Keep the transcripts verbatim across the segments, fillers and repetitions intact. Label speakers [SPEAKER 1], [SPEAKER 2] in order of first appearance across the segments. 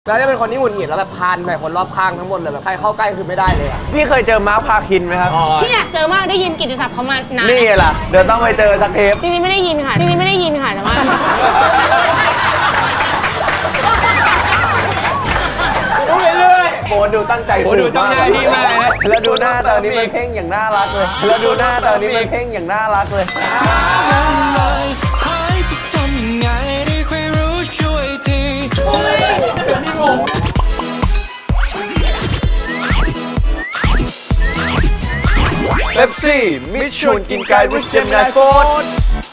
[SPEAKER 1] แล้วจะเป็นคนที่หงุดหงิดแล้วแบบพานใส่คนรอบข้างทั้งหมดเลยแบบใครเข้าใกล้คือไม่ได้เลยอ่ะ
[SPEAKER 2] พี่เคยเจอมาร์คพาคินไหมครับ
[SPEAKER 3] พี่อยากเจอมากได้ยินกิตติศัพท์เขามานาน
[SPEAKER 2] นี่ล่ะเดี๋ยวต้องไปเจอสักเทป
[SPEAKER 3] จริงๆไม่ได้ยินค่ะจริงๆไม่ได้ยินค่ะแต่ว่า
[SPEAKER 2] ดูเรื่อยๆโอ้ดูตั้งใจดูจ้องหน้าพี่มากนะแล้วดูหน้าตอนนี้มันเพ่งอย่างน่ารักเลยแล้วดูหน้าตอนนี้มันเพ่งอย่างน่ารักเลยเป๊ปซี่มิชชันกินไก่ริชเจมไนโฟร์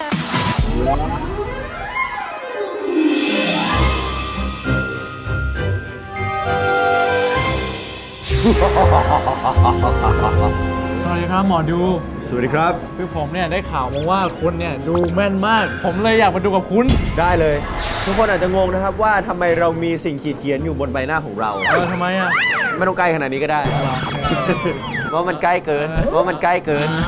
[SPEAKER 4] สวัสดีครับหมอดู
[SPEAKER 2] สวัสดีครับ
[SPEAKER 4] คือผมเนี่ยได้ข่าวมาว่าคุณเนี่ยดูแม่นมากผมเลยอยากมาดูกับคุณ
[SPEAKER 2] ได้เลยทุกคนอาจจะงงนะครับว่าทำไมเรามีสิ่งขีดเขียนอยู่บนใบหน้าของเรา
[SPEAKER 4] เออทำไมอ่ะ
[SPEAKER 2] ไม่ต้องใกล้ขนาดนี้ก็ได้ว่ามันใกล้เกินว่ามันใกล้เกิน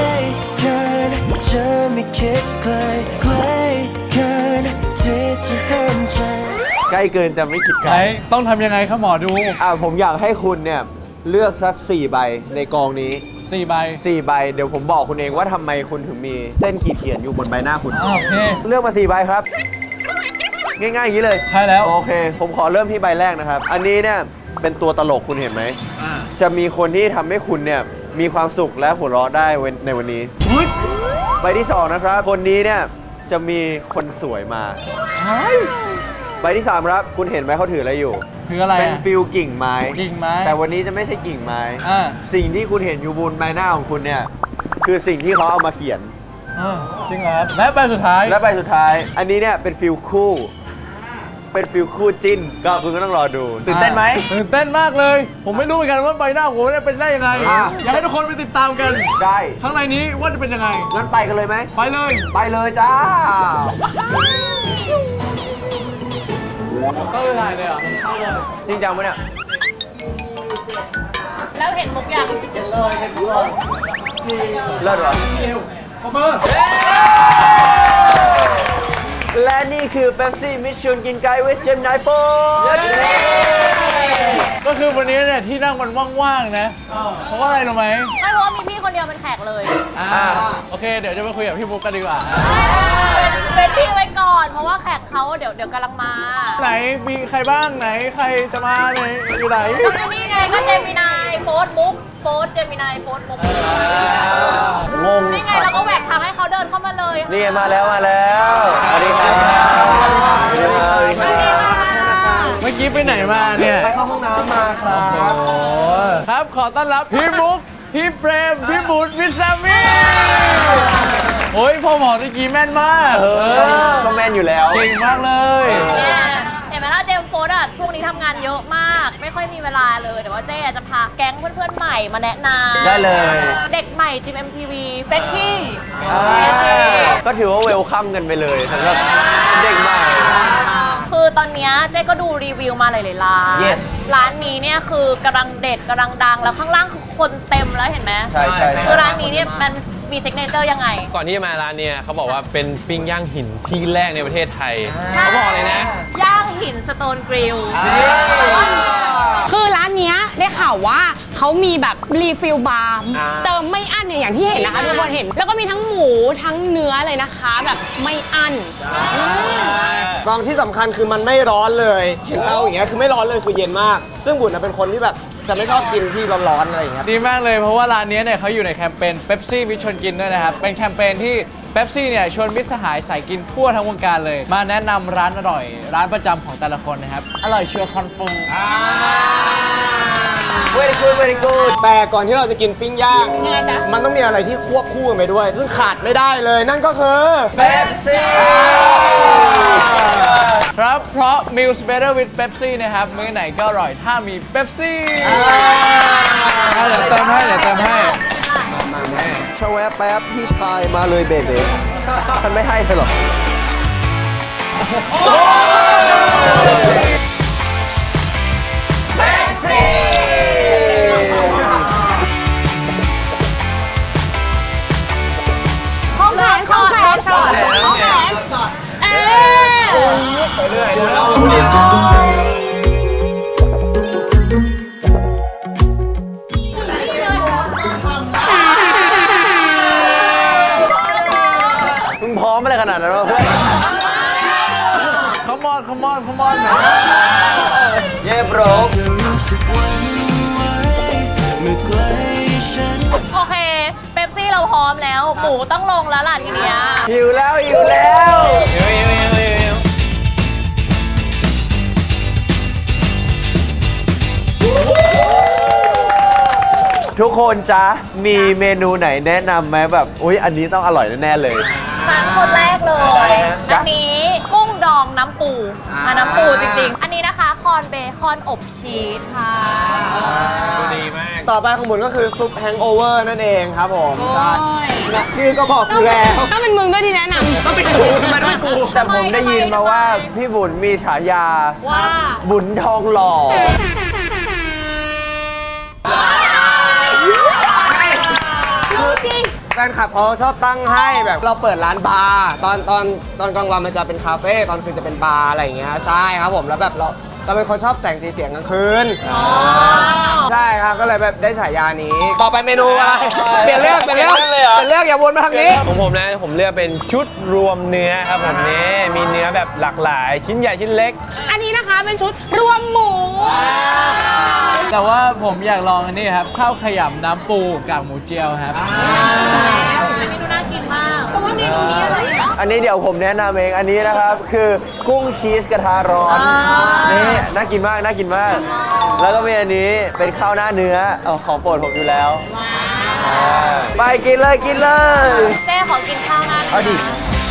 [SPEAKER 2] ใกล้เกินจะไม่คิดไกล
[SPEAKER 4] ต้องทำยังไงครับหมอดู
[SPEAKER 2] อ่าผมอยากให้คุณเนี่ยเลือกสักสี่ใบในกองนี้
[SPEAKER 4] สี่ใบ
[SPEAKER 2] สี่ใบเดี๋ยวผมบอกคุณเองว่าทำไมคุณถึงมีเส้นขีดเขียนอยู่บนใบหน้าคุณ
[SPEAKER 4] โอเค
[SPEAKER 2] เลือกมาสี่ใบครับง่ายๆอย่างนี้เลย
[SPEAKER 4] ใช่แล้ว
[SPEAKER 2] โอเคผมขอเริ่มที่ใบแรกนะครับอันนี้เนี่ยเป็นตัวตลกคุณเห็นไหมจะมีคนที่ทำให้คุณเนี่ยมีความสุขและหัวเราะได้ในวันนี้ใบที่สองนะครับคนนี้เนี่ยจะมีคนสวยมาใบที่สามครับคุณเห็นไหมเขาถืออะไรอยู่
[SPEAKER 4] คืออะไร
[SPEAKER 2] เป็นฟิลกิ่งไม้
[SPEAKER 4] กิ่งไม้
[SPEAKER 2] แต่วันนี้จะไม่ใช่กิ่งไม้สิ่งที่คุณเห็นอยู่บนใบหน้าของคุณเนี่ยคือสิ่งที่เขาเอามาเขียน
[SPEAKER 4] จริงเหรอครับและใบสุดท้าย
[SPEAKER 2] และใบสุดท้ายอันนี้เนี่ยเป็นฟิลคู่เป็นฟิลคู่จิ้นก็คุณก็ต้องรอดูตื่นเต้นไหม
[SPEAKER 4] ตื่นเต้นมากเลยผมไม่รู้เหมือนกันว่าใบหน้าผมเนี่ยเป็นได้ยังไงอยากให้ทุกคนไปติดตามกัน
[SPEAKER 2] ได้
[SPEAKER 4] ข้างในนี้ว่าจะเป็นยังไง
[SPEAKER 2] งั้นไปกันเลยไหม
[SPEAKER 4] ไปเลย
[SPEAKER 2] ไปเลยจ้า
[SPEAKER 4] ก็เลยถ่ายเลยอ่ะ
[SPEAKER 2] จริงจังไหมเนี่ย
[SPEAKER 3] แล้วเห็นมุกยัง
[SPEAKER 2] เห็นเลยเห็นเลยเลิศวะขอบมือและนี่คือเป๊ปซี่มิชชันกินไก่วิชเจมไนโฟร์
[SPEAKER 4] ก็คือวันนี้เนี่ยที่นั่งมันว่างๆนะเพราะว่าอะไรรู้ไหม
[SPEAKER 3] ไม่เพราะว่ามีพี่คนเดียวเป็นแขกเลย
[SPEAKER 4] อ่าโอเคเดี๋ยวจะไปคุยกับพี่บุ๊กกันดีกว่า
[SPEAKER 3] เป็นพี่ไว้ก่อนเพราะว่าแขกเขาเดี๋ยวเดี๋ยวกำลังมา
[SPEAKER 4] ไหนมีใครบ้างไหนใครจะมาไหนอยู่ไหน
[SPEAKER 3] ก็นี่ไงก็เจมินายโฟร์มุกโฟร์เจมินายโฟร์มุก
[SPEAKER 2] งง
[SPEAKER 3] นี่ไงเราก็แหวกทางให้เขาเดินเข้ามาเลย
[SPEAKER 2] นี่มาแล้วมาแล้วสวัสดีครับ
[SPEAKER 4] เมื่อกี้ไปไหนมาเนี่ย
[SPEAKER 2] ไปเข้าห้องน้ำมาครับ
[SPEAKER 4] โอ้ครับขอต้อนรับพี่บุ๊กพี่เปรมพี่บุญพี่แซมมี่โอ้ยพ่อหมอตะกี้แม่นมาก
[SPEAKER 2] เออก็แม่นอยู่แล้ว
[SPEAKER 4] เก่งมากเลย
[SPEAKER 3] เห็นไหมล่ะเจมส์โฟร์ดอ่ะช่วงนี้ทำงานเยอะมากไม่ค่อยมีเวลาเลยแต่ว่าเจ๊จะพาแก๊งเพื่อนๆใหม่มาแนะนำ
[SPEAKER 2] ได้เลย
[SPEAKER 3] เด็กใหม่จิม เอ็ม ที วี เฟชชี่
[SPEAKER 2] ก็ถือว่าเวลคัมกันไปเลยสำหรับเด็กใหม่
[SPEAKER 3] คือตอนนี้เจ๊ก็ดูรีวิวมาหลายๆร้าน
[SPEAKER 2] yes.
[SPEAKER 3] ร้านนี้เนี่ยคือกำลังเด็ดกำลังดังแล้วข้างล่างคือคนเต็มแล้วเห็นไหม
[SPEAKER 2] ใช่ใช่
[SPEAKER 3] คือร้านนี้เนี่ยมันมีซิกเนเจอร์ยังไง
[SPEAKER 5] ก่อนที่จะมาร้านเนี่ยเขาบอกว่าเป็นปิ้งย่างหินที่แรกในประเทศไทยเขาบอกเลยนะ
[SPEAKER 3] ย่างหินสโตนกริล
[SPEAKER 6] คือร้านนี้ได้ข่าวว่าเขามีแบบรีฟิลบาร์เติมไม่อั้นเนี่ยอย่างที่เห็นนะคะทุกคนเห็นแล้วก็มีทั้งหมูทั้งเนื้อเลยนะคะแบบไม่อั้น
[SPEAKER 1] กองที่สำคัญคือมันไม่ร้อนเลยเห็นเตาอย่างเงี้ยคือไม่ร้อนเลยคือเย็นมากซึ่งบุญเป็นคนที่แบบจะไม่ชอบกินที่ร้อนๆอะไรอย่างเงี้ย
[SPEAKER 4] ดีมากเลยเพราะว่าร้านนี้เนี่ยเขาอยู่ในแคมเปญเป๊ปซี่มิชชันกินด้วยนะครับเป็นแคมเปญที่เป๊ปซี่เนี่ยชวนมิตรสหายสายกินทั่วทั้งวงการเลยมาแนะนำร้านอร่อยร้านประจำของแต่ละคนนะครับอร่อยเชื่อคอนเฟิร์ม
[SPEAKER 1] very good very good แต่ก่อนที่เราจะกินปิ้งย่างมันต้องมีอะไรที่ควบคู่กันไปด้วยซึ่งขาดไม่ได้เลยนั่นก็คือ
[SPEAKER 2] เป๊ปซี่
[SPEAKER 4] ครับเพราะ Meals Better with Pepsi นะครับมื้อไหนก็อร่อยถ้ามีเป๊ปซี่เดี๋ยวเติมให้เดี๋ยวเติมให้
[SPEAKER 2] ชาวแวะแป๊บพี่ชายมาเลยเบเบ้ท่านไม่ให้เลยหรอเป๊ปซี่
[SPEAKER 3] ข้องแขนข้องแขนข้องแขนเอ๊ะไปเรื่อยเดี๋ยวเรา
[SPEAKER 2] ขนาดนั้นวะเพื่อน
[SPEAKER 4] Come on Come on Come on
[SPEAKER 2] เย่โบร
[SPEAKER 3] โอเค เป๊ปซี่เราพร้อมแล้ว หมูต้องลงแล้วล่ะทีเนี้ย
[SPEAKER 2] หิวแล้วหิวแล้ว ทุกคนจ๊ะ มีเมนูไหนแนะนำไหมแบบ อุ๊ย อันนี้ต้องอร่อยแน่ๆเลย
[SPEAKER 3] ฉันคนแรกเลย อันนี้กุ้งดองน้ำปูอ่ะน้ำปูจริงๆ อันนี้นะคะคอนเบคอนอบชีสค่ะ
[SPEAKER 5] ดีมาก
[SPEAKER 1] ต่อไปของบุญก็คือซุปแฮงโอเวอร์นั่นเองครับผม ใช่
[SPEAKER 6] โอ้ย
[SPEAKER 1] นะชื่อก็บอกอยู่แล้ว
[SPEAKER 6] ต้องเป็นมึงด้วยที่แนะนำ
[SPEAKER 1] ก็เป็นกูทำไมต้องเป็นกู
[SPEAKER 2] แต่ผมได้ยินมาว่าพี่บุญมีฉายา
[SPEAKER 6] ว่า
[SPEAKER 2] บุญทองหล่อ
[SPEAKER 6] รู้จริง
[SPEAKER 1] แฟนคลับเขาชอบตั้งให้แบบเราเปิดร้านบาร์ตอนตอนตอนกลางวันมันจะเป็นคาเฟ่ตอนคืนจะเป็นบาร์อะไรอย่างเงี้ยใช่ครับผมแล้วแบบเราเราเป็นคนชอบแต่งสีเสียงกลางคืนใช่ครับก็เลยแบบได้ฉายานี้ ต่อไปเมนูอะไรเปลี่ยนเรื่องเปลี่ยนเรื่องเปลี่ยนเรื่องอย่าวนมาทางนี้
[SPEAKER 5] ของผมนะ ผมเลือกเป็นชุดรวมเนื้อครับผมนี่มีเนื้อแบบหลากหลาย ชิ้นใหญ่ชิ้นเล็ก
[SPEAKER 6] อันนี้นะคะเป็นชุดรวมหมู
[SPEAKER 4] แต่ว่าผมอยากลองอันนี้ครับ ข้าวขยำน้ำปูกากหมูเจียวครับ
[SPEAKER 3] อันนี้ดูน่ากินมากแต่ว่าเมนูนี้อะไรอ่ะ
[SPEAKER 2] อันนี้เดี๋ยวผมแนะนำเอง อันนี้นะครับ คือกุ้งชีสกระทะร้อน นี่น่ากินมาก น่ากินมาก แล้วก็มีอันนี้เป็นข้าวหน้าเนื้อเอาของโปรดผมอยู่แล้วอ่าไปกินเลยกินเลย
[SPEAKER 3] เจ๊ขอกินข้าวหน้า
[SPEAKER 1] เอาดิ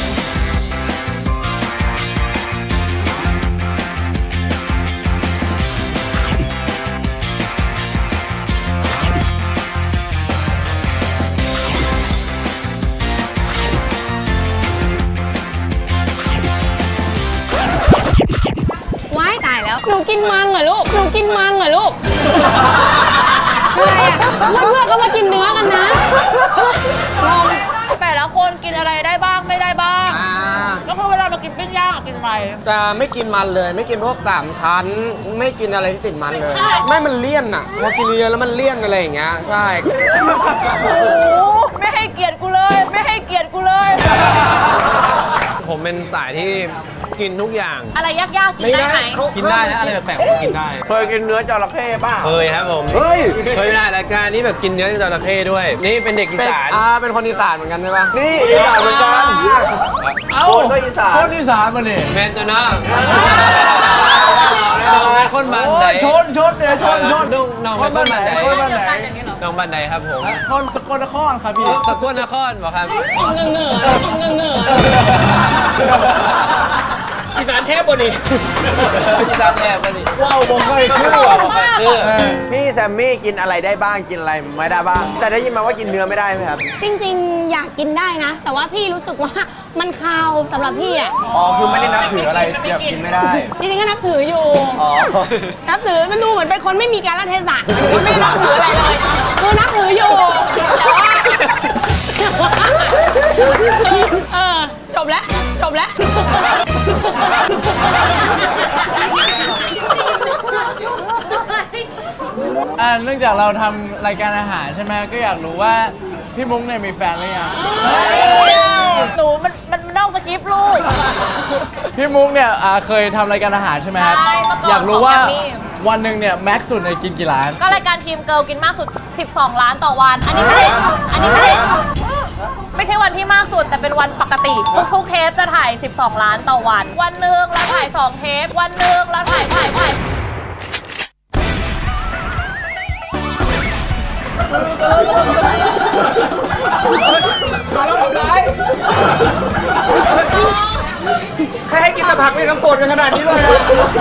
[SPEAKER 6] ว้ายตายแล้ว หนูกินมังเหรอลูก หนูกินมังเหรอลูก อะไรอ่ะเพื่อนๆก็มากินเนื้อกันนะงง
[SPEAKER 3] แต่ละคนกินอะไรได้บ้างไม่ได้บ้างก็คือเวลาเรากินปิ้งย่างอะกินอะไร
[SPEAKER 1] จะไม่กินมันเลย ไม่กินพวกสามชั้น ไม่กินอะไรที่ติดมันเลย ไม่มันเลี่ยนอ่ะพอกินเยอะแล้วมันเลี่ยนอะไรอย่างเงี้ยใช่
[SPEAKER 3] ไม่ให้เกียรติกูเลย ไม่ให้เกียรติกูเลย
[SPEAKER 5] ผมเป็นสายที่กินทุกอย่าง
[SPEAKER 3] อะไรยากๆกินได้ไหม
[SPEAKER 5] กินได้นะอะไรแปลกๆผมกินได้
[SPEAKER 2] เคยกินเนื้อจระเข้ป่ะ
[SPEAKER 5] เคยครับผม
[SPEAKER 2] เฮ้ย
[SPEAKER 5] เคยไปถ่ายรายการนี้แบบกินเนื้อจระเข้ด้วย นี่เป็นเด็กอี
[SPEAKER 1] เป็น
[SPEAKER 5] สาน
[SPEAKER 1] อ่าเป็นคนอีสานเหมือนกันใช่ปะ
[SPEAKER 2] นี่อีสานเหมือนกัน
[SPEAKER 4] เอ้า
[SPEAKER 2] คนก็อีสาน
[SPEAKER 4] คนอีสานมาเนี่ย
[SPEAKER 5] แมนตัวน้าน้องเป็นคนบ้านไหน
[SPEAKER 4] ชนชนเนี่ยชนชน
[SPEAKER 5] น้องน้องเป็นคนบ้านไหน
[SPEAKER 4] คนบ้านไหน
[SPEAKER 5] น้องบ้านไหนครับผม
[SPEAKER 4] คนสกลนครครับพี่
[SPEAKER 5] ตะกวนนครบอกครับ
[SPEAKER 6] เหงื่อเหงื่อเหงื่อเหงื่อ
[SPEAKER 1] อีสานเทพบนี่
[SPEAKER 5] อีสานแอบกันนี่
[SPEAKER 4] ว้าวบอกเลยคือ
[SPEAKER 5] บอกครับคือ
[SPEAKER 4] เออ
[SPEAKER 2] พี่แซมมี่กินอะไรได้บ้างกินอะไรไม่ได้บ้าง แต่ได้ยินมาว่ากินเนื้อไม่ได้ไหมครับ
[SPEAKER 6] จริงๆ อยากกินได้นะ แต่ว่าพี่รู้สึกว่ามันคาวสำหรับพี่อ่ะ
[SPEAKER 2] อ๋อ คือไม่ได้นับถืออะไรแบบกินไม่ได้
[SPEAKER 6] จริงๆก็นับถืออยู่
[SPEAKER 2] อ๋อ
[SPEAKER 6] นับถือมันดูเหมือนเป็นคนไม่มีการละเทศะไม่นับถืออะไรเลยคือนับถืออยู่ แต่ว่าเออจบแล้วจบแล้ว
[SPEAKER 4] อ่าเนื่องจากเราทำรายการอาหารใช่ไหมก็อยากรู้ว่าพี่มุ้งเนี่ยมีแฟนหรือยัง
[SPEAKER 3] หนูมันมันมันนอกสคริปต์ลูก
[SPEAKER 4] พี่มุ้งเนี่ยอ่าเคยทำรายการอาหารใช่ไหมครับ
[SPEAKER 3] ใช่เมื่อก่อน
[SPEAKER 4] อยากรู้ว่า
[SPEAKER 3] ของแกรมมี่
[SPEAKER 4] วันหนึ่งเนี่ยแม็กซ์สุดเนี่ยกินกี่ล้าน
[SPEAKER 3] ก็รายการทีมเกิร์ลกินมากสุด สิบสอง ล้านต่อวัน อันนี้ไม่ใช่อันนี้ไม่ใช่ไม่ใช่วันที่มากสุดแต่เป็นวันปกติ ทุกๆเทปจะถ่าย สิบสอง ล้านต่อวัน วันหนึ่งแล้วถ่ายสองเทป วันหนึ่งแล้วถ่ายถ่ายถ่าย
[SPEAKER 1] ใครให้กินแต่ผักไม่ต้องโกรธกันขนาดนี้เลยนะ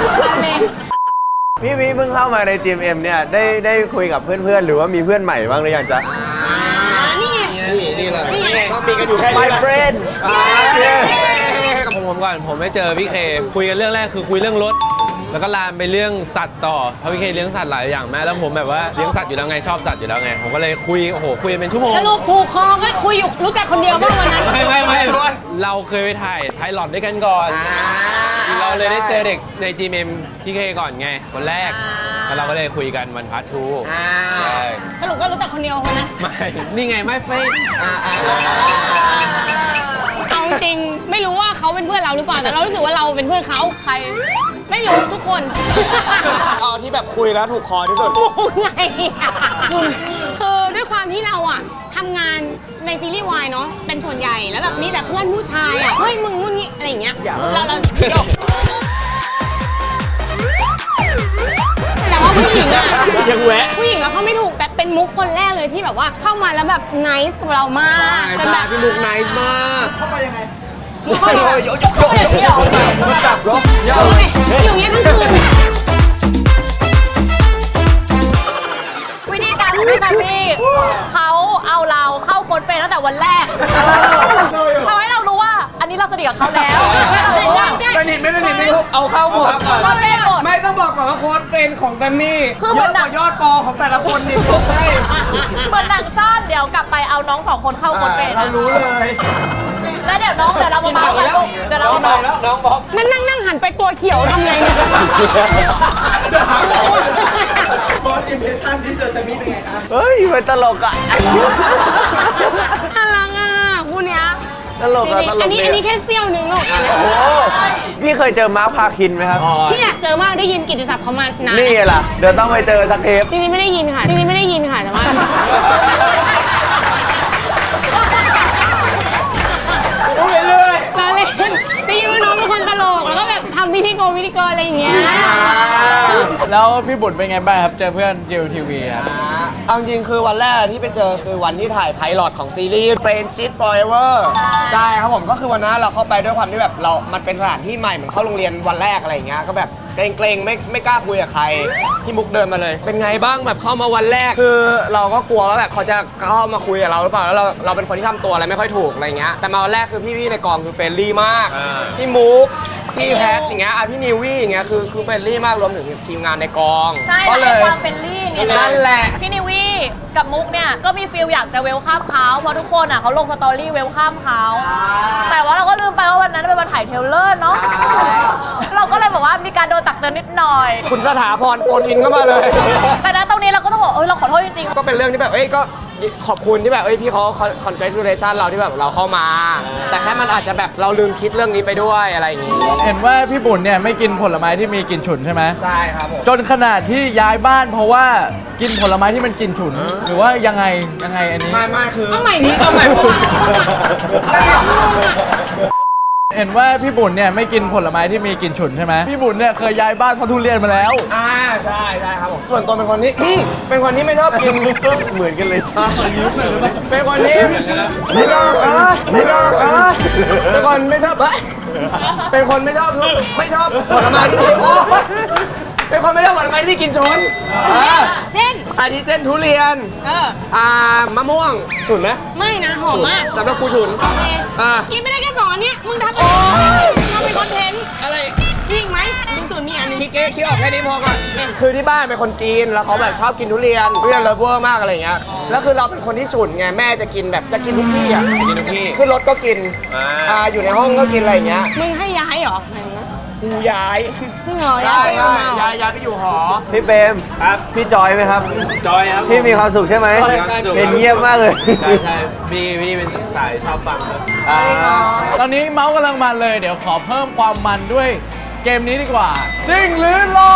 [SPEAKER 2] พี่วิเพิ่งเข้ามาใน จี เอ็ม เอ็ม เนี่ย ได้ได้คุยกับเพื่อนๆ หรือว่ามีเพื่อนใหม่บ้างหรือยังจ๊ะ
[SPEAKER 6] นี่ไง
[SPEAKER 1] นี่นี่เลยก็มีกันอยู่แค่นี้
[SPEAKER 2] My friend
[SPEAKER 5] กับผมผมก่อนผมไม่เจอพี่เคคุยกันเรื่องแรกคือคุยเรื่องรถ แล้วก็ลามไปเรื่องสัตว์ต่อเพราะพี่เคเลี้ยงสัตว์หลายอย่างแม่แล้วผมแบบว่าเลี้ยงสัตว์อยู่แล้วไงชอบสัตว์อยู่แล้วไงผมก็เลยคุยโอ้โหคุยกันเป็นชั่วโมง
[SPEAKER 6] สรุปถูกคอก็คุยอยู่รู้จักคนเดียวบ้างวันนั้น
[SPEAKER 5] ไม่ไม่ไม่เราเคยไปถ่ายไพลอตด้วยกันก่อน เราเลยได้เจอเด็กใน จี เอ็ม พี่เคก่อนไงคนแรกแล้วเราก็เลยคุยกันวันพาร์ททู
[SPEAKER 1] อ่า
[SPEAKER 5] ใช่
[SPEAKER 6] สรุปก็รู้จักคนเดียวคนนั้น
[SPEAKER 5] ไม่นี่ไงไม่ไม่
[SPEAKER 1] อ่าอ่า
[SPEAKER 6] เอาจริงๆไม่รู้ว่าเขาเป็นเพื่อนเราหรือเปล่าแต่เรารู้สึกว่าเราเป็นเพื่อนเขาใคร ไม่รู้ทุกคน
[SPEAKER 1] เอาที่แบบคุยแล้วถูกคอที่สุด
[SPEAKER 6] ไงอะคือด้วยความที่เราอะทำงานในซีรีส์วายเนาะเป็นส่วนใหญ่แล้วแบบมีแต่เพื่อนผู้ชายอะเฮ้ยมึงนู่นนี่อะไรอย่างเงี้ยเราเราโยกแต่ว่าผู้หญิงอะ
[SPEAKER 1] ยังแวะ
[SPEAKER 6] ผู้หญิงเราเข้าไม่ถูกแต่เป็นมุกคนแรกเลยที่แบบว่าเข้ามาแล้วแบบไนซ์กับเรามากจน
[SPEAKER 1] ใช่
[SPEAKER 6] แบบ
[SPEAKER 1] พี่มุกไนส์มาก
[SPEAKER 6] เข้ามาอย่างนี้หรอ
[SPEAKER 1] จับรถ
[SPEAKER 6] อยู่อย่างเงี้ยทั้งคืน
[SPEAKER 3] วิธีการของพี่แซมมี่เขาเอาเราเข้าโค้ดเฟรนตั้งแต่วันแรกทำให้เรารู้ว่าอันนี้เราสนิทกับเขาแล้วให้เรารู้ว่า
[SPEAKER 1] สนิทไม่สนิทไม่รู้เอาเข้าหมด
[SPEAKER 3] ก็เล่นหมด
[SPEAKER 1] ไม่ต้องบอกก่อนว่าโค้ดเป็นของแซมมี่
[SPEAKER 3] คือเหมื
[SPEAKER 1] เย
[SPEAKER 3] อน
[SPEAKER 1] อะกว่ายอดปอของแต่ละคนนี่พวกให้
[SPEAKER 3] เหมือนหนังสั้นเดี๋ยวกลับไปเอาน้องสองคนเข้าโค้ดเฟรน
[SPEAKER 1] เรารู้เลย
[SPEAKER 3] แล้วเดี๋ยวน้องเดี๋ยวเรามาเมาส์กันลูกเดี๋ยวเรามาเมาส์
[SPEAKER 1] แล้วน้องบอก
[SPEAKER 6] นั่งนั่งนั่งหันไปตัวเขียวทำไงเนี่ย
[SPEAKER 1] โค้ดอิมเพรสชั่นที่เจอแซมมี่เป็นไงครับ
[SPEAKER 2] เฮ้ยมันตลกอ่ะ
[SPEAKER 6] น่ารักอ่ะคู่เนี้ย
[SPEAKER 2] ตลก
[SPEAKER 6] จ
[SPEAKER 2] อ่ะ
[SPEAKER 6] ริง
[SPEAKER 2] ต
[SPEAKER 6] ๆ
[SPEAKER 2] ล
[SPEAKER 6] อัน
[SPEAKER 2] ก
[SPEAKER 6] นี้
[SPEAKER 2] ดี
[SPEAKER 6] อันนี้แค่เสี้ยวนึงหรอกอันเนี้ย
[SPEAKER 2] โอ้โหพี่เคยเจอมาร์คพาคินไหมครับ
[SPEAKER 6] พี่อยากเจอมากได้ยินกิตติศัพท์เขามานาน
[SPEAKER 2] นี่ไงล่ะ เดี๋ยวต้องไปเจอสักเทป
[SPEAKER 6] จริงๆไม่ได้ยินค่ะจริงๆไม่ได้ยินค่ะแต่ว่า
[SPEAKER 1] เรื่อย
[SPEAKER 6] เราเล่นได้ยินว่าน้องเป็นคนตลกแล้วก็แบบทำพิธีกรพิธีกรอะไรอย่างเงี้ย
[SPEAKER 4] แล้วพี่บุญเป็นไงบ้างครับ เจอเพื่อนจิวทีวีครับ
[SPEAKER 1] เอาจริงคือวันแรกที่ไปเจอคือวันที่ถ่ายไพลอตของซีรีส์ Friendship Forever ใช่ครับผมก็คือวันนั้นเราเข้าไปด้วยความที่แบบเรา มันเป็นสถานที่ใหม่เหมือนเข้าโรงเรียนวันแรกอะไรอย่างเงี้ยก็แบบเกรงๆไม่ไม่กล้าคุยกับใครพี่มุกเดินมาเลย เป็นไงบ้างแบบเข้ามาวันแรกคือเราก็กลัวว่าแบบเขาจะเข้ามาคุยกับเราหรือเปล่าแล้วเราเราเป็นคนที่ทำตัวอะไรไม่ค่อยถูกอะไรเงี้ยแต่มาวันแรกคือพี่ๆในกองคือเฟรนลี่มากพี่มุกพี่แพทอย่างเงี้ยอ่ะพี่นิววี่อย่างเงี้ยคือคือเฟรนลี่มากรวมถึงทีมงานในกอง
[SPEAKER 3] ใช่
[SPEAKER 1] ก็เล
[SPEAKER 3] ให้
[SPEAKER 1] ย
[SPEAKER 3] ความเป็นลี่ไง
[SPEAKER 1] นั่นแหละ
[SPEAKER 3] พี่นิวี่กับมุกเนี่ยก็มีฟิลอยากจะเวลข้ามเขาเพราะทุกคนอ่ะเขาลงสตอรี่เวลข้ามเขาแต่ว่าเราก็ลืมไปว่าวันนั้นเป็นวันถ่ายเทรลเลอร์เนาะเราก็เลยบอกว่ามีการโดนตักเตือนนิดหน่อย
[SPEAKER 1] คุณสถาพรโฟนอินเข้ามาเลย
[SPEAKER 3] แต่ณตรงนี้เราก็ต้องบอกเอ้ยเราขอโทษจริง
[SPEAKER 1] ก็เป็นเรื่องที่แบบ เอ้ย ก็ขอบคุณที่แบบ เอ้ย พี่เขาคอนเกรส u l a t i o n เราที่แบบเราเข้ามา แต่แค่มันอาจจะแบบเราลืมคิดเรื่องนี้ไปด้วยอะไรอย่างงี้
[SPEAKER 4] เห็นว่าพี่บุญเนี่ยไม่กินผลไม้ที่มีกลิ่นฉุนใช่ไหม
[SPEAKER 1] ใช่ครับผม
[SPEAKER 4] จนขนาดที่ย้ายบ้านเพราะว่ากินผลไม้ที่มันกลิ่นฉุน หรือว่ายังไงยังไงอันนี้
[SPEAKER 1] ไม่ไม่คือ
[SPEAKER 6] เอาใหม่ดิ
[SPEAKER 1] เอาใหม่ผม
[SPEAKER 4] เห็นว่าพี่บุญเนี่ยไม่กินผลไม้ที่มีกลิ่นฉุนใช่ไหมพี่บุญเนี่ยเคยย้ายบ้านเพราะทุเรียนมาแล้ว
[SPEAKER 1] อ่า ใช่ใช่ครับผม ส่วนตัวเป็นคนที่ เป็นคนที่ไม่ชอบกิน
[SPEAKER 2] เหมือนกันเลย
[SPEAKER 1] เป็นคนที่ไม่ชอบอ่ะไม่ชอบอ่ะเป็นคนไม่ชอบอ่ะเป็นคนไม่ชอบทุกไม่ชอบผลไม้ที่โอ้เป็นคนไม่ชอบผลไม้ที่กินชนอ่า
[SPEAKER 6] เช่น
[SPEAKER 1] อาทิเช่นทุเรียน
[SPEAKER 6] เออ
[SPEAKER 1] อ่ามะม่วงฉุนไหม
[SPEAKER 6] ไม่นะหอมมาก
[SPEAKER 1] สำหรับกูฉุน
[SPEAKER 6] โอเค
[SPEAKER 1] อ่า
[SPEAKER 6] กินไม่ได้แค่สองอันเนี้ยมึงทำเองทำเป็นคอนเทนต์
[SPEAKER 1] อะไร
[SPEAKER 6] มีอีกไหมมีส่วนมีอันหนึง
[SPEAKER 1] คิดเอ๊ะคิดออกแค่นี้พอก่อนคือที่บ้านเป็นคนจีนแล้วเขาแบบชอบกินทุเรียนทุเรียนเลิฟเวอร์มากอะไรอย่างเงี้ยแล้วคือเราเป็นคนที่ฉุนไงแม่จะกินแบบจะกินทุกที่อ่ะกินทุกที่ขึ้นรถก็กินอ่าอยู่ในห้องก็กินอะไรอย่างเงี้ย
[SPEAKER 6] มึงให้ย้ายเหรอไหนนะ
[SPEAKER 1] กูย้าย
[SPEAKER 6] จริงเหรอย้ายไปเหรอ
[SPEAKER 1] ย้ายย้ายไปอยู่หอ
[SPEAKER 2] พี่เปรมครับ พี่จอยไหมครับ
[SPEAKER 5] จอยครับ
[SPEAKER 2] พี่มีความสุขใช่ไหม
[SPEAKER 1] มีความสุข
[SPEAKER 2] เห็นเงียบมากเลย
[SPEAKER 5] ใช่ใช่พี่พี่เป็นสายชอบฟังครับ
[SPEAKER 2] อ่า
[SPEAKER 4] ตอนนี้เมาส์กำลังมันเลยเดี๋ยวขอเพิ่มความมันด้วยเกมนี้ดีกว่า จริงหรือหลอก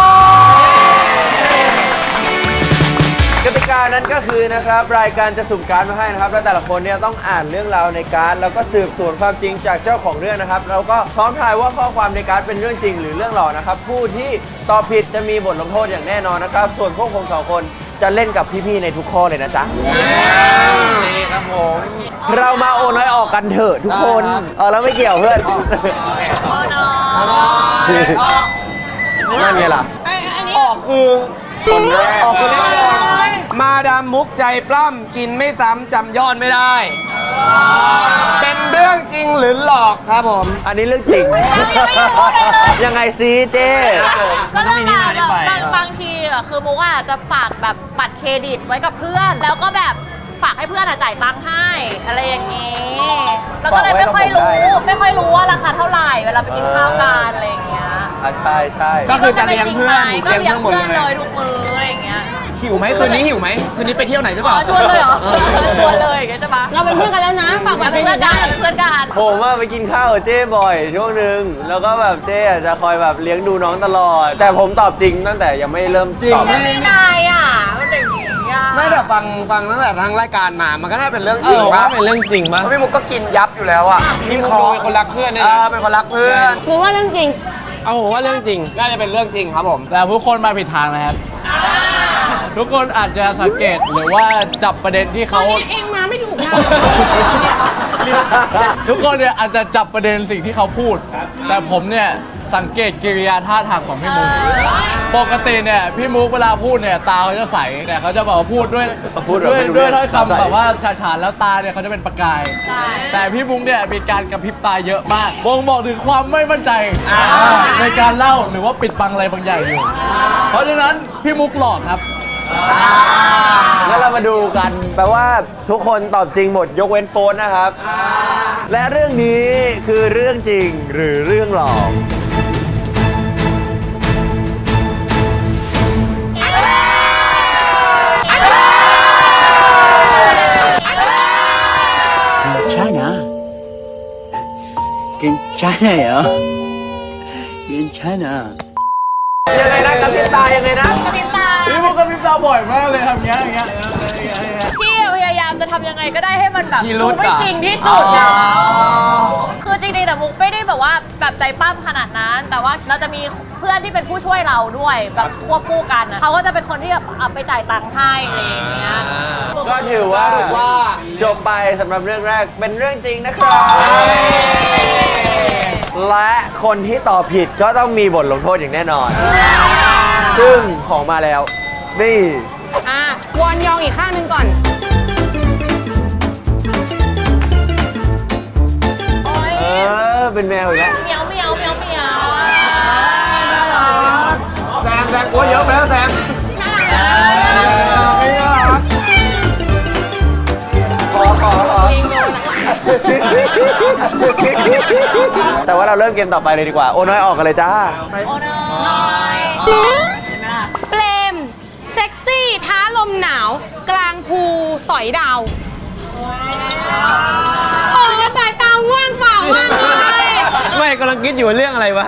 [SPEAKER 2] กติกานั้นก็คือนะครับรายการจะสุ่มการ์ดมาให้นะครับแล้วแต่ละคนเนี่ยต้องอ่านเรื่องราวในการ์ดแล้วก็สืบสวนความจริงจากเจ้าของเรื่องนะครับแล้วก็พร้อมทายว่าข้อความในการ์ดเป็นเรื่องจริงหรือเรื่องหลอกนะครับผู้ที่ตอบผิดจะมีบทลงโทษอย่างแน่นอนนะครับส่วนพวกผมสองคนจะเล่นกับพี่ๆในทุกข้อเลยนะจ๊ะ
[SPEAKER 5] นี่ครับผม
[SPEAKER 2] เรามาโอน้อยออกกันเถอะทุกคนเออแล้วไม่เกี่ยวเพื่อน
[SPEAKER 3] ๆโอ้น้อง
[SPEAKER 2] นั่นไงล่ะ
[SPEAKER 6] ไอ้อันนี้
[SPEAKER 1] ออกคือคนแรกออกคือแน่นอนมาดามมุกใจปล้ำกินไม่ซ้ำจำยอดไม่ได้ เป็นเรื่องจริงหรือหลอกครับผม
[SPEAKER 2] อันนี้เรื่องจริง ยังไงซีเจ
[SPEAKER 3] ก็ต้องมาแบบบางบางทีอะคือมุกอะจะฝากแบบบัตรเครดิตไว้กับเพื่อน แล้วก็แบบฝากให้เพื่อนอะจ่ายตังค์ให้อะไรอย่างงี้แล้วก็เลยไม่ค่อยรู้ไม่ค่อยรู้ว่าราคาเท่าไหร่เวลาไปกินข้าวกันอะไรอย่างเงี้ย
[SPEAKER 2] อ่ะใช่ใช่
[SPEAKER 1] ก็คือจะเลี้ยงเพื่อน
[SPEAKER 3] ก็เลี้ยงเพื่อน
[SPEAKER 1] เลี้ยงเพื่อนหมด
[SPEAKER 3] เล
[SPEAKER 1] เลย
[SPEAKER 3] ยทุกมื้ออะไรอย่างเงี้ย
[SPEAKER 1] หิวไหมคืนนี้หิวไหมคืนนี้ไปเที่ยวไหนหรือเป
[SPEAKER 3] อ๋อ
[SPEAKER 1] ล่า
[SPEAKER 3] ชวนเลยเหรอชวนเลยอย่างเงี้ยใช่ปะ
[SPEAKER 6] เราเป็นเพื่อนกันแล้วนะฝากไว้
[SPEAKER 3] เป็
[SPEAKER 6] เป็น น
[SPEAKER 3] เพื่อน
[SPEAKER 6] ได้
[SPEAKER 3] กันเพื่อนกัน
[SPEAKER 2] ผมว่าไปกินข้าวกับเจ้บ่อยช่วงหนึ่งแล้วก็แบบเจ้อาจจะคอยแบบเลี้ยงดูน้องตลอด แต่ผมตอบจริงตั้งแต่ยังไม่เริ่มตอบ
[SPEAKER 3] ไม่ได้อ่ะมันอย่างนี้อ่ะ
[SPEAKER 1] ไม่แต่ฟังฟังตั้งแต่ทั้งรายการมามันก็น่าเป็นเรื่อง
[SPEAKER 5] เอ
[SPEAKER 1] จริง
[SPEAKER 5] อ
[SPEAKER 1] ปะ
[SPEAKER 5] ว่าเป็นเรื่องจริงปะ
[SPEAKER 1] เพราะพี่มุกก็กินยับอยู่แล้วอ่ะ
[SPEAKER 5] พี่มุกดูเป็นคนรักเพื่อนเนี่ย
[SPEAKER 1] เอ
[SPEAKER 5] นะ
[SPEAKER 1] อเป็นคนรักเพื่อน
[SPEAKER 6] คือว่าเรื่องจริง
[SPEAKER 5] เอาผมว่าเรื่องจริง
[SPEAKER 1] น่าจะเป็นเรื่องจริงครับผม
[SPEAKER 4] แต่ทุกคนมาผิดทางนะครับ ทุกคนอาจจะสังเกตหรือว่าจับประเด็นที่
[SPEAKER 6] ตอ
[SPEAKER 4] เขา
[SPEAKER 6] นนี้เองมาไม่ถูกนะ
[SPEAKER 4] ทุกคนเนี่ยอาจจะจับประเด็นสิ่งที่เขาพูด แต่ผมเนี่ยสังเกตกิริยาท่าทางของพี่มุก ปกติเนี่ยพี่มุกเวลาพูดเนี่ยตาเขาจะใส แต่เขาจะบอกว่าพูดด้วย
[SPEAKER 2] พูดแบบ
[SPEAKER 4] ด้วย
[SPEAKER 2] ไม่รู้
[SPEAKER 4] ด้วย
[SPEAKER 2] เรื่อง
[SPEAKER 4] ถ้อย
[SPEAKER 2] ตาใส
[SPEAKER 4] คำแบบว่าฉาฉานแล้วตาเนี่ยเขาจะเป็นประกาย
[SPEAKER 3] ใช่
[SPEAKER 4] แต่พี่มุกเนี่ยมีการกระพริบตาเยอะมากบ่งบอกถึงความไม่มั่นใจในการเล่าหรือว่าปิดบังอะไรบางอย่างอยู่ เพราะฉะนั้นพี่มุกหลอกครับ
[SPEAKER 2] งั้นเรามาดูกันแปลว่าทุกคนตอบจริงหมดยกเว้นโฟนนะครับ และเรื่องนี้คือเรื่องจริงหรือเรื่องหลอก
[SPEAKER 7] 괜찮아. 괜찮아요. 괜찮아.
[SPEAKER 2] ยังไงนะกระพริบตายังไงนะ
[SPEAKER 3] กระพริบตา
[SPEAKER 4] พี่มุกกระพริบตาบ่อยมากเลยทำอย่างเงี้ยอย่างเงี้ยอย่างเงี้ย
[SPEAKER 3] พี่พยายามจะทำยังไงก็ได้ให้มันแบบ
[SPEAKER 1] พิรุ
[SPEAKER 3] ดู
[SPEAKER 1] ธ
[SPEAKER 3] ไม่
[SPEAKER 1] อะ
[SPEAKER 3] จริงที่สุดอะคือจริงๆแต่มุกไม่ได้แบบว่าแบบใจปั้มขนาดนั้น แต่ว่าเราจะมีเพื่อนที่เป็นผู้ช่วยเราด้วยแบบควบคู่กันอะเขาก็จะเป็นคนที่แบบเอาไปจ่ายตังค์ให้อะไรอย่างเงี้ย
[SPEAKER 2] ก็ถือว่า
[SPEAKER 1] สรุปว่า
[SPEAKER 2] จบไปสำหรับเรื่องแรกเป็นเรื่องจริงนะครับ และคนที่ตอบผิดก็ต้องมีบทลงโทษอย่างแน่นอน ซึ่งของมาแล้ว นี่
[SPEAKER 6] อ่ะวอนยองอีกข้างหนึ่งก่อน
[SPEAKER 3] โอ๊ย
[SPEAKER 2] เออ เป็นแมวอีกแล้ว
[SPEAKER 3] เหมียวเหมียวเหมียวเหมียว
[SPEAKER 1] แซมแซมกลัวเยอะไปแล้วแซมไม่น่ารัก
[SPEAKER 2] ขอขอขอแต่ว่าเราเริ่มเกมต่อไปเลยดีกว่า โอ้น้อยออกกันเลยจ้า
[SPEAKER 3] โอ้น้อยเห็นไหมล่ะ
[SPEAKER 6] เปลม เซ็กซี่ท้าลมหนาว กลางภูสอยดาว โอ้สายตาว่างเปล่ามากเลย
[SPEAKER 5] ไม่กำลังคิดอยู่ว่าเรื่องอะไรวะ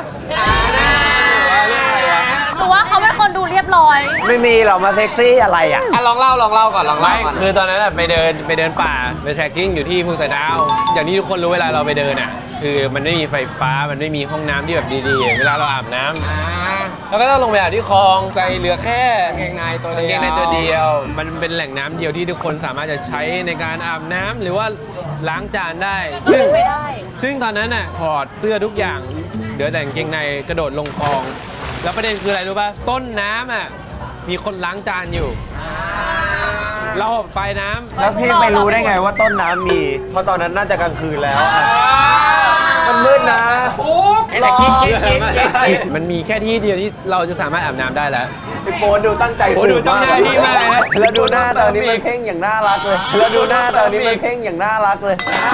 [SPEAKER 3] หรือว่าเขาเป็นคนดูเรียบร้อย
[SPEAKER 2] ไม่มีหรอกมาเซ็กซี่อะไรอ่ะ
[SPEAKER 1] อ่ะลองเล่าลองเล่าก่อนลองเล่า
[SPEAKER 5] ไม่
[SPEAKER 1] ก่อน
[SPEAKER 5] คือตอนนั้นอะไปเดินไปเดินป่าไปแทร็กกิ้งอยู่ที่ภูสอยดาว อย่างที่ทุกคนรู้เวลาเราไปเดินอ่ะ คือมันไม่มีไฟฟ้ามันไม่มีห้องน้ำที่แบบดีๆ เวลาเราอาบน้ำเราก็ต้องลงไปอาบที่คลองใส่เหลือแค่
[SPEAKER 1] กางเกงในตัว
[SPEAKER 5] กาง
[SPEAKER 1] เดียว
[SPEAKER 5] เกงในตัวเดียว มันเป็นแหล่งน้ำเดียวที่ทุกคนสามารถจะใช้ในการอาบน้ำหรือว่าล้างจานได้ ซึ่ง
[SPEAKER 3] ไม่ได้
[SPEAKER 5] ซึ่งตอนนั้นน่ะถอดเสื้อทุกอย่างเหลือแต่กางเกงในกระโดดลงคลอง แล้วประเด็นคืออะไรรู้ป่ะต้นน้ำอ่ะมีคนล้างจานอยู่ เราไปลายน้ำ
[SPEAKER 2] แล้วพี่ไม่รู้ได้ไงว่าต้นน้ำมี เพราะตอนนั้นน่าจะกลางคืนแล้วอะมันมืดนะ
[SPEAKER 1] แต่คิดคิดคิดคิด
[SPEAKER 5] มันมีแค่ที่เดียวที่เราจะสามารถอาบน้ำได้แล้ว
[SPEAKER 2] พี่โป๊ดูตั้งใจ
[SPEAKER 5] โอ้ดูจ้องหน้าพี่มากนะ
[SPEAKER 2] แล้วดูหน้าตอนนี้มันเพ่งอย่างน่ารักเลย แล้วดูหน้าตอนนี้มันเพ่งอย่างน่ารักเลย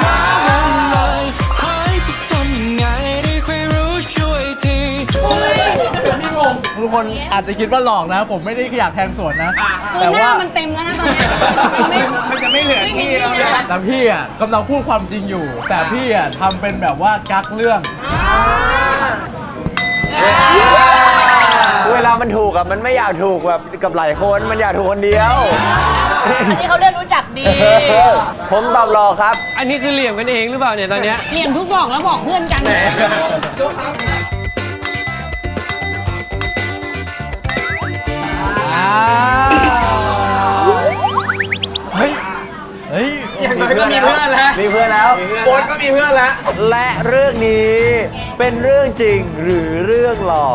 [SPEAKER 4] ทุกคนอาจจะคิดว่าหลอกนะ ผมไม่ได้อยากแทงสวนนะ
[SPEAKER 6] คือ
[SPEAKER 4] แต่
[SPEAKER 6] หน้า
[SPEAKER 4] ว่า
[SPEAKER 6] มันเต็มแล้วนะตอนเนี้ยมันไม่
[SPEAKER 1] มันจะไม่เหลือ
[SPEAKER 6] ไม่มี
[SPEAKER 1] ที่
[SPEAKER 6] ที่
[SPEAKER 1] แล้ว
[SPEAKER 6] เลย
[SPEAKER 1] นะ
[SPEAKER 4] แต่พี่อ่ะกำลังพูดความจริงอยู่ แต่พี่อ่ะทำเป็นแบบว่ากักเรื่อง
[SPEAKER 2] เวลามันถูกอะมันไม่อยากถูกแบบกับหลายคน มันอยากถูกคนเดียว
[SPEAKER 3] อันนี้เขาเรียกรู้จักดี
[SPEAKER 2] ผมตอบรอครับ
[SPEAKER 5] อันนี้คือเหลี่ยมกันเองหรือเปล่าเนี่ยตอนเนี้ย
[SPEAKER 6] เหลี่ยมทุกดอกแล้วบอกเพื่อนกัน
[SPEAKER 4] อ้าว เฮ้ย เฮ้ย
[SPEAKER 1] อย่างน้อยก็มีเพื่อนแล้ว
[SPEAKER 2] มีเพื่อนแล้ว
[SPEAKER 1] โบ๊ทก็มีเพื่อนแล้ว
[SPEAKER 2] และเรื่องนี้เป็นเรื่องจริงหรือเรื่องหลอก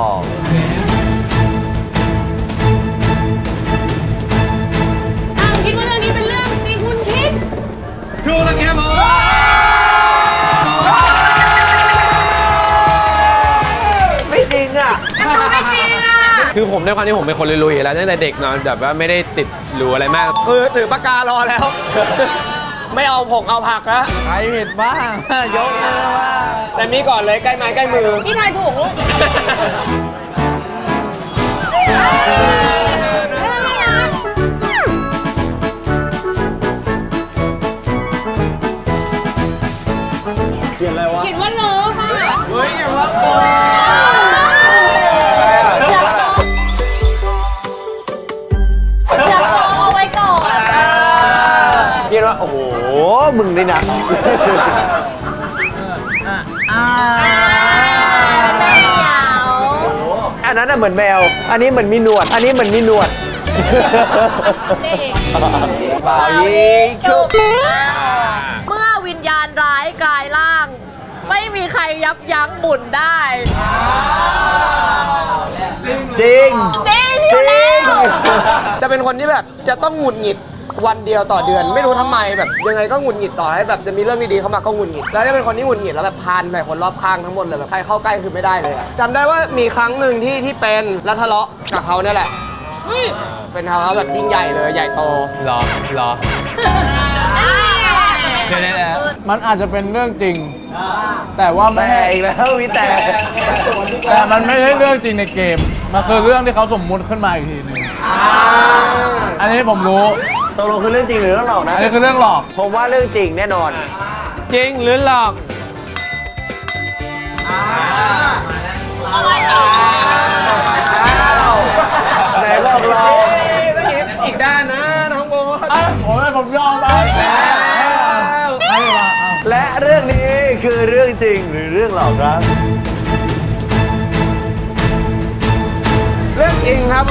[SPEAKER 6] อ้าวคิดว่าเรื่องนี้เป็นเรื่องจริงคุณคิด
[SPEAKER 5] ถูกแล้วครับผม
[SPEAKER 2] ไม่จริงอ่ะ
[SPEAKER 6] ไม่จริงอ่ะ
[SPEAKER 5] คือผมด้วยความที่ผมเป็นคนลุยๆอยู่แล้วตั้งแต่เด็กเนอนแบบว่าไม่ได้ติดหรูอะไรมาก
[SPEAKER 1] คือถือปากการอแล้ว ไม่เอาผงเอาผักนะ
[SPEAKER 4] ใครผิดบ้าง ยกเลยว่า
[SPEAKER 1] แซมมี่ก่อนเลยใกล้ไม้ใกล้มือ
[SPEAKER 6] พี่ทายถูกลูกน่ารัก
[SPEAKER 2] มึงนี่นะ
[SPEAKER 3] ไม่เหงา
[SPEAKER 2] อันนั้นน่ะเหมือนแมว อันนี้เหมือนมีหนวด อันนี้เหมือนมีหนวด
[SPEAKER 3] นี่
[SPEAKER 2] เปล่ายิงชุบ
[SPEAKER 3] เมื่อวิญญาณร้ายกลายร่าง ไม่มีใครยับยั้งบุญได้
[SPEAKER 2] จริง
[SPEAKER 3] จริง
[SPEAKER 2] จ
[SPEAKER 3] อยู่
[SPEAKER 2] ริ
[SPEAKER 3] แล้
[SPEAKER 2] ง
[SPEAKER 3] ว
[SPEAKER 1] จะเป็นคนที่แบบจะต้องหงุดหงิดวันเดียวต่อเดือน ไม่รู้ทำไมแบบยังไงก็หงุดหงิดต่อให้แบบจะมีเรื่องดีๆเข้ามาก็หงุดหงิดแล้วจะเป็นคนที่หงุดหงิดแล้วแบบพานใส่คนรอบข้างทั้งหมดเลยแบบใครเข้าใกล้คือไม่ได้เลยอะจำได้ว่ามีครั้งหนึ่งที่ที่เป็นแล้วทะเลาะกับเขาเนี่ยแหละเป็นทะเลาะแบบยิ่งใหญ่เลยใหญ่โต
[SPEAKER 5] รอรอเดี๋ยวๆๆ
[SPEAKER 4] มันอาจจะเป็นเรื่องจริง แต่ว่าไม่
[SPEAKER 2] แต่อีกแล้ววิแต่
[SPEAKER 4] แต่มันไม่ใช่เรื่องจริงในเกม มันคือเรื่องที่เขาสมมุติขึ้นมาอีกทีหนึงอันนี้ผมรู้
[SPEAKER 2] ตกลงคือเรื่องจริงหรือเรื่องหลอกนะ
[SPEAKER 4] อันนี้คือเรื่องหลอก
[SPEAKER 2] ผมว่าเรื่องจริงแน่นอน
[SPEAKER 5] จริงหรือหลอก
[SPEAKER 2] ไหนบอกเรา
[SPEAKER 1] อีกด้านนะน้องโบท
[SPEAKER 4] อ่ะผมให้ผมยอมไปแล้วให้มาเอา
[SPEAKER 2] และเรื่องนี้คือเรื่องจริงหรือเรื่องหลอกครับ
[SPEAKER 1] เรื่องจริงครับผม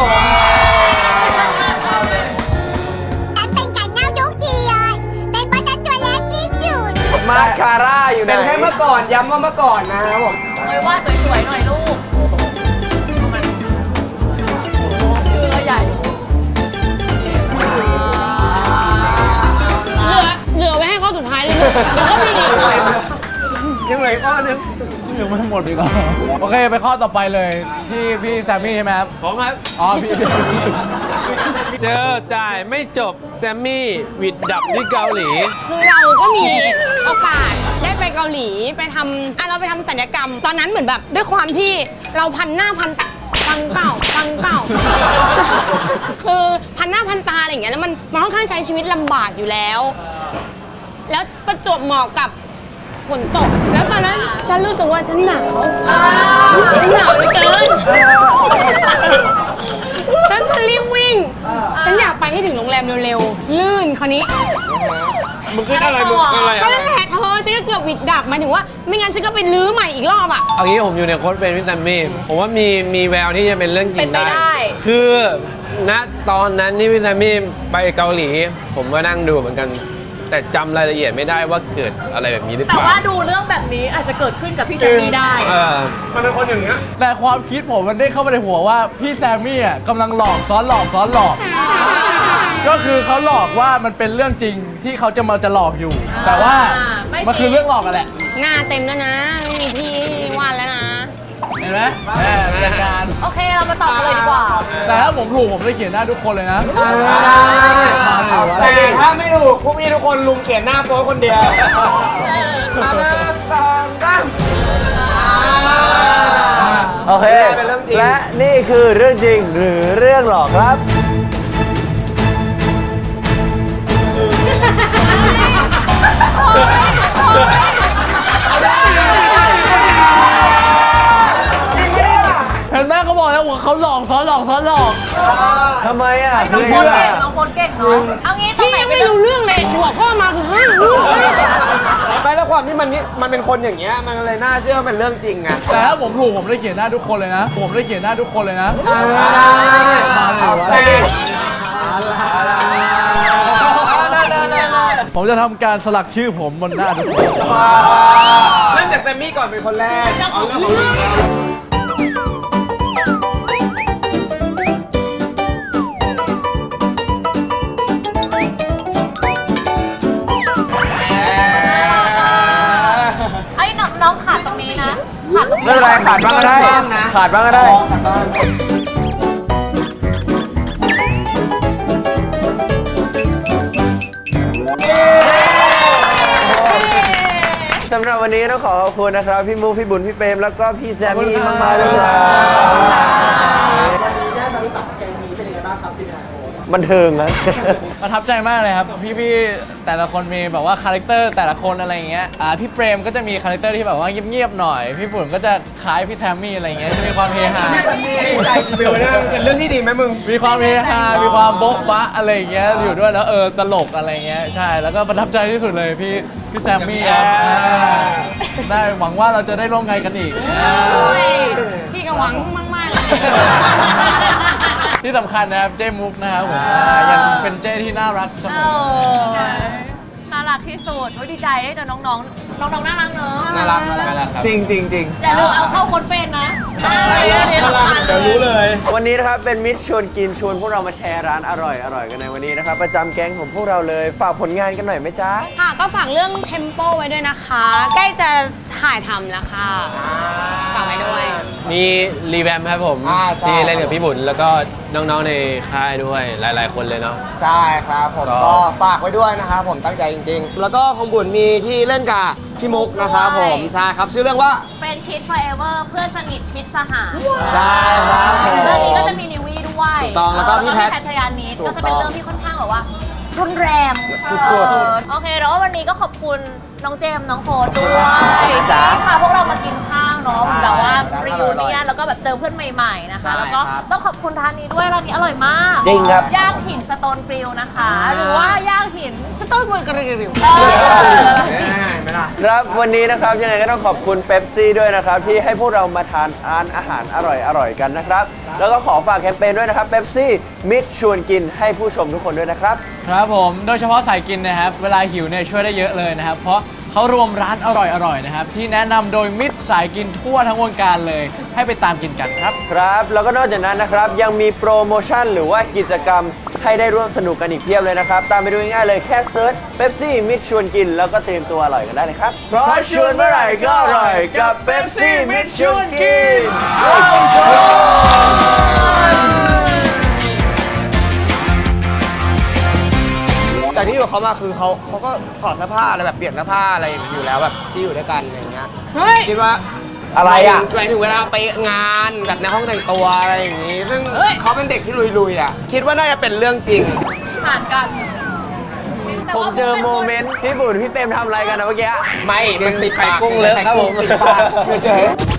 [SPEAKER 8] ฉันเป็นไก่เน่าทุกทีเลย เป็นเพราะฉันตัวเล็กที่สุด
[SPEAKER 2] มาสคาร่าอยู่ไหน
[SPEAKER 1] เป็นแค่เมื่อก่อนย้ำว่าเมื่อก่อนนะครับผม
[SPEAKER 3] เอ้ยว่าสวยๆหน่อยลูกชื่อก็ใหญ่
[SPEAKER 6] เหลือเหลือไว้ให้ข้อสุดท้ายเลยลูกเดี๋ยวก็มีอีก
[SPEAKER 1] ยังเหลืออีกข้อนึง
[SPEAKER 4] ยังไม่หมดอีกเหรอโอเค ไปข้อต่อไปเลยที่พี่แซมมี่ใช่ไหมครับ
[SPEAKER 5] ผมครับ
[SPEAKER 4] อ๋อ พี่
[SPEAKER 5] เจอจ่ายไม่จบแซมมี่หวิดดับที่เกาหลี
[SPEAKER 6] คือเราก็มีโอกาสได้ไปเกาหลีไปทำอ่ะเราไปทำศัลยกรรม ตอนนั้นเหมือนแบบด้วยความที่เราพันหน้าพันพังเก่าพังเก่า คือพันหน้าพันตาอะไรอย่างเงี้ยแล้วมันมันค่อนข้างใช้ชีวิตลำบากอยู่แล้ว แล้วประจวบเหมาะกับฝนตก แล้วตอนนั้นฉันรู้สึกว่าฉันหนาวฉันหนาวเหลือเกิน ฉันก็รีบวิ่ง ฉันอยากไปให้ถึงโรงแรมเร็วๆ ลื่นคราวนี้
[SPEAKER 5] มึงขึ้นอะไรมึงอะไร
[SPEAKER 6] ก็
[SPEAKER 5] อะไร
[SPEAKER 6] นั่นแหละเธอฉันก็เกือบหวิดดับหมายถึงว่า ไม่งั้นฉันก็ไปลื้อใหม่อีกรอบอ่ะ
[SPEAKER 5] เอางี้ผมอยู่ในโค้ดเป็นวิตามินผมว่ามีมีแววที่จะเป็นเรื่องจริง
[SPEAKER 3] เป็นไป
[SPEAKER 5] ได้
[SPEAKER 3] ได้
[SPEAKER 5] คือณตอนนั้นที่วิตามินไปเกาหลี ผมก็นั่งดูเหมือนกัน แต่จำรายละเอียดไม่ได้ว่าเกิดอะไรแบบนี้หรือเป
[SPEAKER 3] แต่
[SPEAKER 5] ล่า
[SPEAKER 3] ว่าดูเรื่องแบบนี้อาจจะเกิดขึ้นกับพี่แซมมี่ได้
[SPEAKER 5] เออ
[SPEAKER 1] มันเป็นคนอย่างเงี้ย
[SPEAKER 4] แต่ความคิดผมมันได้เข้ามาในหัวว่าพี่แซมมี่อ่ะกำลังหลอกซ้อนหลอกซ้อนหลอก ก็คือเขาหลอกว่ามันเป็นเรื่องจริงที่เขาจะมาจะหลอกอยู่ แต่ว่า
[SPEAKER 3] ไม่จริง
[SPEAKER 4] มันคือเรื่องหลอกกันแหละ
[SPEAKER 6] หน้าเต็มแล้วนะ ไม่มีที่วาดแล้วนะ
[SPEAKER 4] เห็นไหมแม่เป็นการ
[SPEAKER 3] โอเคเรามาตอบกันเลยดีกว่า
[SPEAKER 4] แต่ถ้าผมถูกผมจะเขียนหน้าทุกคนเลยนะ
[SPEAKER 1] แต่ถ้าไม่ถูกพวกพี่ทุกคนลุงเขียนหน้าโป๊คนเดียวมาหนึ่งสองสาม
[SPEAKER 2] โอเค
[SPEAKER 1] เป็นเรื่องจริง
[SPEAKER 2] และนี่คือเรื่องจริงหรือเรื่องหลอกครับ
[SPEAKER 4] เห็นไหมเขาบอกแล้วว่าเขาหลอกซ้อนหลอกซ้อนหลอก
[SPEAKER 2] ทำไมอ่ะ
[SPEAKER 3] น้อง
[SPEAKER 2] คือ
[SPEAKER 3] โฟน
[SPEAKER 2] เชื่อ
[SPEAKER 3] เก่งน้องโฟนเก่งเนาะเอางี้ตรง
[SPEAKER 6] พี่
[SPEAKER 3] ไหน
[SPEAKER 6] ยัง
[SPEAKER 3] เป็น
[SPEAKER 6] ไม่รู้เรื่องเลยหัวข้อมาคือห้าเรื่อง
[SPEAKER 1] ไม่แล้วความที่มันนี่มันเป็นคนอย่างเงี้ยมันเลยน่าเชื่อว่าเป็นเรื่องจริงไง
[SPEAKER 4] แต่ถ้าผมถูกผมได้เขียนหน้าทุกคนเลยนะ ผมได้เขียนหน้าทุกคนเลยนะ
[SPEAKER 1] เอาสิ
[SPEAKER 4] ผมจะทำการสลักชื่อผมบนหน้าทุกคน
[SPEAKER 1] เริ่มจากแซมมี่ก่อนเป็นคนแรกเอาเรื่องของพี่
[SPEAKER 3] ไอ้น้องน้องขาดตรงนี้นะขาดตรงนี้
[SPEAKER 2] ไม่เป็นไรขาดบ้างก็ได้ ขาดบ้างก็ได้ สำหรับวันนี้ต้องขอขอบคุณนะครับ พี่มูพี่บุญ พี่เปรม แล้วก็พี่แซมมี่มากๆเลยครับ
[SPEAKER 1] วันนี้ได้มารู้จักแกงนี้เป็นยังไงบ้างครับสิงห์โ
[SPEAKER 2] บันเทิงนะ
[SPEAKER 4] ประทับใจมากเลยครับ พี่ๆแต่ละคนมีแบบว่าคาแรคเตอร์แต่ละคนอะไรอย่างเงี้ยอ่าพี่เปรมก็จะมีคาแรคเตอร์ที่แบบว่าเงียบๆหน่อย พี่ฝุ่นก็จะคล้ายพี่แทมมี่อะไรอย่างเงี้ยจะมีความเฮฮา
[SPEAKER 1] ใจจริงๆเนี่ยเป็นเรื่องที่ดีไหมมึง
[SPEAKER 4] มีความเฮฮา มีความโบ๊ะบะอะไรอย่างเงี้ยอยู่ด้วยแล้วเออตลกอะไรอย่างเงี้ยใช่แล้วก็ประทับใจที่สุดเลยพี่พี่แซมมี่ครับอ่าได้หวังว่าเราจะได้ร่วมงานกันอีกอ่า
[SPEAKER 6] พี่ก็หวังมากๆเลย
[SPEAKER 4] ที่สำคัญนะครับเจ้มุกนะครับผมอ่ายังเป็นเจ้ที่น่ารักเสม
[SPEAKER 3] เอ
[SPEAKER 4] อ
[SPEAKER 3] อน่ารักที่สุดโอ้ยดีใจได้เจอน้องๆ น้องๆ น่ารักเนอะ
[SPEAKER 1] น่ารักน่ารัก
[SPEAKER 2] จริงจริงจริง
[SPEAKER 3] อย่าลืมเอาเข้าคนเฟนนะ
[SPEAKER 1] เดี๋ยวรู้เลย
[SPEAKER 2] วันนี้นะครับเป็นมิตรชวนกินชวนพวกเรามาแชร์ร้านอร่อยอร่อยกันในวันนี้นะครับประจำแก๊งของพวกเราเลยฝากผลงานกันหน่อยไหมจ๊ะ
[SPEAKER 6] ค่ะก็ฝากเรื่องเทมโปไว้ด้วยนะคะ ใกล้จะถ่ายทำแล้วค่ะฝากไว้ด้วย
[SPEAKER 5] มีรีแวมครับผม
[SPEAKER 1] อ่าใช่
[SPEAKER 5] ที่เล่นกับพี่บุญแล้วก็น้องๆในค่ายด้วยหลาย ๆ คนเลยเนาะ
[SPEAKER 1] ใช่ครับผม
[SPEAKER 5] ก็
[SPEAKER 1] ก็ฝากไว้ด้วยนะครับผมตั้งใจจริงๆ แล้วก็ของบุญมีที่เล่นกับพี่มุกนะครับผมใช่ครับชื่อเรื่องว่า
[SPEAKER 3] เป็นคิด forever เพื่อนสนิทพิษสหาย
[SPEAKER 1] ใช่ครับผม
[SPEAKER 3] เรื่องนี้ก็จะมีนิวี่ด้วย
[SPEAKER 1] ถูกต้องแล้วก็พี่แพท
[SPEAKER 3] แพทชยานิด
[SPEAKER 1] ถูก
[SPEAKER 3] ก็จะเป็น
[SPEAKER 1] ต้อง
[SPEAKER 3] เรื่องที่ค่อนข้างแบบว่ารุนแรง
[SPEAKER 1] สุดๆ
[SPEAKER 3] เออโอเคแล้ววันนี้ก็ขอบคุณน้องเจมส์น้องโฟดด้วย
[SPEAKER 1] จ้า
[SPEAKER 3] ที่พาพวกเรามากินข้าวเนาะ
[SPEAKER 1] ใช่
[SPEAKER 3] แบบว่า
[SPEAKER 1] ร้าน
[SPEAKER 3] รี
[SPEAKER 1] อ
[SPEAKER 3] วิ
[SPEAKER 1] ร่
[SPEAKER 3] ว
[SPEAKER 1] อยๆ
[SPEAKER 3] เนี่ยแล้วก็แบบเจอเพื่อนใหม่ๆนะคะ
[SPEAKER 1] ใช่
[SPEAKER 3] แล้วก็
[SPEAKER 1] ครับ
[SPEAKER 3] ต้องขอบคุณร้านนี้ด้วยร้านนี้อร่อยมาก
[SPEAKER 2] จริงครับ
[SPEAKER 3] ย่างหินสโตนกริลนะคะ หรือว่าย่างหิน
[SPEAKER 6] สต้นมือกระริว
[SPEAKER 3] เออ
[SPEAKER 1] ไม่ล่ะ
[SPEAKER 2] ครับวันนี้นะครับยังไงก็ต้องขอบคุณเป๊ปซี่ด้วยนะครับที่ให้พวกเรามาทานอาหารอาหารอร่อยอร่อยกันนะครับแล้วก็ขอฝากแคมเปญด้วยนะครับเป๊ปซี่มิตรชวนกินให้ผู้ชมทุกคนด้วยนะครับ
[SPEAKER 4] ครับผม โดยเฉพาะสายกินนะครับ เวลาหิวเนี่ยช่วยได้เยอะเลยนะครับ เพราะเขารวมร้านอร่อยๆนะครับ ที่แนะนำโดยมิตรสายกินทั่วทั้งวงการเลย ให้ไปตามกินกันครับ
[SPEAKER 2] ครับแล้วก็นอกจากนั้นนะครับยังมีโปรโมชั่นหรือว่ากิจกรรมให้ได้ร่วมสนุกกันอีกเพียบเลยนะครับ ตามไปดูง่ายๆเลยแค่เซิร์ชเป๊ปซี่มิตรชวนกินแล้วก็เตรียมตัวอร่อยกันได้เลยครับเพราะชวนเมื่อไหร่ก็อร่อยกับเป๊ปซี่มิตรชวนกินเข้าชม
[SPEAKER 1] แต่ที่อยู่กับเขามาคือเขาเขาก็ถอดเสื้อผ้าอะไรแบบเปลี่ยนเสื้อผ้าอะไรอยู่แล้วแบบที่อยู่ด้วยกันอย่างเงี้ย
[SPEAKER 6] ๆเฮ้ย
[SPEAKER 1] คิดว่า
[SPEAKER 2] อะไรอ่ะ
[SPEAKER 1] หมายถึงเวลาไปงานแบบในห้องแต่งตัวอะไรอย่างงี้ ซึ่งเขาเป็นเด็กที่ลุยๆอ่ะคิดว่าน่าจะเป็นเรื่องจริง
[SPEAKER 3] ผ่านกัน
[SPEAKER 2] ผมเจอโมเมนต์พี่บุญพี่เปรมทำอะไรกันนะเมื่อกี้
[SPEAKER 1] ไม่มันติดปาก
[SPEAKER 5] ไข่กุ้งเลอะครับผม
[SPEAKER 1] ติดปากเฉยๆ